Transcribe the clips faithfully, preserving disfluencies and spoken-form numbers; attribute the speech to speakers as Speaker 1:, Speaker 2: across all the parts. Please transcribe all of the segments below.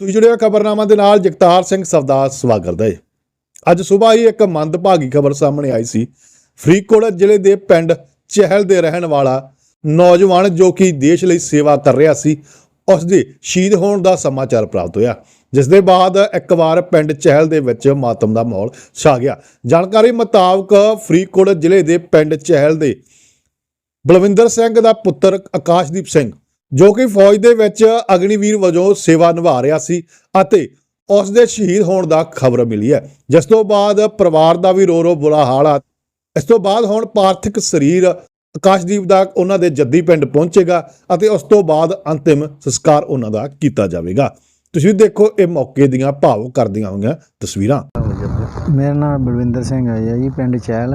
Speaker 1: ਤੁਸੀਂ जुड़े खबरनामा ਦੇ ਨਾਲ ਜਗਤਾਰ ਸਿੰਘ ਸਵਦਾ ਸਵਾਗਤ ਕਰਦਾ ਹੈ। ਅੱਜ ਸਵੇਰ ਹੀ ਇੱਕ ਮੰਦਭਾਗੀ ਖਬਰ ਸਾਹਮਣੇ ਆਈ ਸੀ। ਫਰੀਦਕੋਟ ਜ਼ਿਲ੍ਹੇ ਦੇ ਪਿੰਡ ਚਹਿਲ ਦੇ ਰਹਿਣ ਵਾਲਾ ਨੌਜਵਾਨ ਜੋ ਕਿ ਦੇਸ਼ ਲਈ ਸੇਵਾ ਕਰ ਰਿਹਾ ਸੀ, ਉਸ ਦੇ ਸ਼ਹੀਦ ਹੋਣ ਦਾ ਸਮਾਚਾਰ ਪ੍ਰਾਪਤ ਹੋਇਆ, ਜਿਸ ਦੇ ਬਾਅਦ ਇੱਕ ਵਾਰ ਪਿੰਡ ਚਹਿਲ ਦੇ ਵਿੱਚ ਮਾਤਮ ਦਾ ਮਾਹੌਲ ਛਾ ਗਿਆ। ਜਾਣਕਾਰੀ ਮੁਤਾਬਕ ਫਰੀਦਕੋਟ ਜ਼ਿਲ੍ਹੇ ਦੇ ਪਿੰਡ ਚਹਿਲ ਦੇ ਬਲਵਿੰਦਰ ਸਿੰਘ ਦਾ ਪੁੱਤਰ ਆਕਾਸ਼ਦੀਪ ਸਿੰਘ ਜੋ ਕਿ ਫੌਜ ਦੇ ਵਿੱਚ ਅਗਨੀਵੀਰ ਵਜੋਂ ਸੇਵਾ ਨਿਭਾ ਰਿਹਾ ਸੀ ਅਤੇ ਉਸ ਦੇ ਸ਼ਹੀਦ ਹੋਣ ਦਾ ਖਬਰ ਮਿਲੀ ਹੈ, ਜਿਸ ਤੋਂ ਬਾਅਦ ਪਰਿਵਾਰ ਦਾ ਵੀ ਰੋ ਰੋ ਬੁਰਾ ਹਾਲ ਆ। ਇਸ ਤੋਂ ਬਾਅਦ ਹੁਣ ਪਾਰਥਿਕ ਸਰੀਰ ਆਕਾਸ਼ਦੀਪ ਦਾ ਉਹਨਾਂ ਦੇ ਜੱਦੀ ਪਿੰਡ ਪਹੁੰਚੇਗਾ ਅਤੇ ਉਸ ਤੋਂ ਬਾਅਦ ਅੰਤਿਮ ਸੰਸਕਾਰ ਉਹਨਾਂ ਦਾ ਕੀਤਾ ਜਾਵੇਗਾ। ਤੁਸੀਂ ਦੇਖੋ ਇਹ ਮੌਕੇ ਦੀਆਂ ਭਾਵੁਕ ਕਰਦੀਆਂ ਹੋਈਆਂ ਤਸਵੀਰਾਂ।
Speaker 2: ਮੇਰਾ ਨਾਮ ਬਲਵਿੰਦਰ ਸਿੰਘ ਹੈ ਜੀ, ਪਿੰਡ ਚਹਿਲ।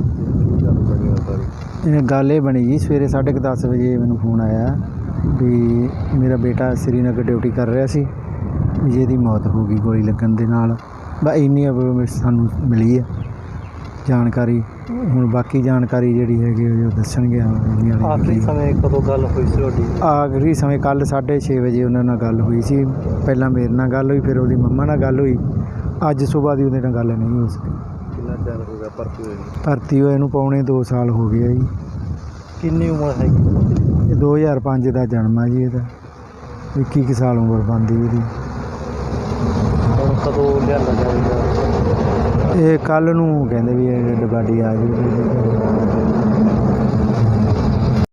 Speaker 2: ਇਹ ਗੱਲ ਇਹ ਬਣੀ ਜੀ, ਸਵੇਰੇ ਸਾਢੇ ਕੁ ਦਸ ਵਜੇ ਮੈਨੂੰ ਫੋਨ ਆਇਆ ਵੀ ਮੇਰਾ ਬੇਟਾ ਸ਼੍ਰੀਨਗਰ ਡਿਊਟੀ ਕਰ ਰਿਹਾ ਸੀ, ਵੀ ਜਿਹਦੀ ਮੌਤ ਹੋ ਗਈ ਗੋਲੀ ਲੱਗਣ ਦੇ ਨਾਲ। ਬਸ ਇੰਨੀ ਸਾਨੂੰ ਮਿਲੀ ਹੈ ਜਾਣਕਾਰੀ। ਹੁਣ ਬਾਕੀ ਜਾਣਕਾਰੀ ਜਿਹੜੀ ਹੈਗੀ ਉਹ ਦੱਸਣਗੇ।
Speaker 3: ਆਖਰੀ ਸਮੇਂ ਕਦੋਂ ਗੱਲ ਹੋਈ ਸੀ ਤੁਹਾਡੀ?
Speaker 2: ਆਖਰੀ ਸਮੇਂ ਕੱਲ੍ਹ ਸਾਢੇ ਛੇ ਵਜੇ ਉਹਨਾਂ ਨਾਲ ਗੱਲ ਹੋਈ ਸੀ। ਪਹਿਲਾਂ ਮੇਰੇ ਨਾਲ ਗੱਲ ਹੋਈ, ਫਿਰ ਉਹਦੀ ਮੰਮਾ ਨਾਲ ਗੱਲ ਹੋਈ। ਅੱਜ ਸੁਬਾਹ ਦੀ ਉਹਦੇ ਨਾਲ ਗੱਲ ਨਹੀਂ ਹੋ ਸਕੀ।
Speaker 3: ਕਿੰਨਾ ਚਿਰ ਹੋ ਗਿਆ ਭਰਤੀ ਹੋਏ?
Speaker 2: ਭਰਤੀ ਹੋਏ ਨੂੰ ਪੌਣੇ ਦੋ ਸਾਲ ਹੋ ਗਏ ਆ ਜੀ।
Speaker 3: ਕਿੰਨੀ ਉਮਰ ਹੈਗੀ?
Speaker 2: ਇਹ ਦੋ ਹਜ਼ਾਰ ਪੰਜ ਦਾ ਜਨਮ ਆ ਜੀ, ਇਹਦਾ ਇੱਕੀ ਕੁ ਸਾਲ ਉਮਰ ਬਣਦੀ ਇਹਦੀ।
Speaker 3: ਹੁਣ ਕਦੋਂ ਲਿਆਂਦਾ ਜਾਵੇਗਾ?
Speaker 2: ਇਹ ਕੱਲ੍ਹ ਨੂੰ ਕਹਿੰਦੇ ਵੀ ਇਹ ਡੱਡ ਬਾਡੀ ਆ ਜਾਊਗੀ।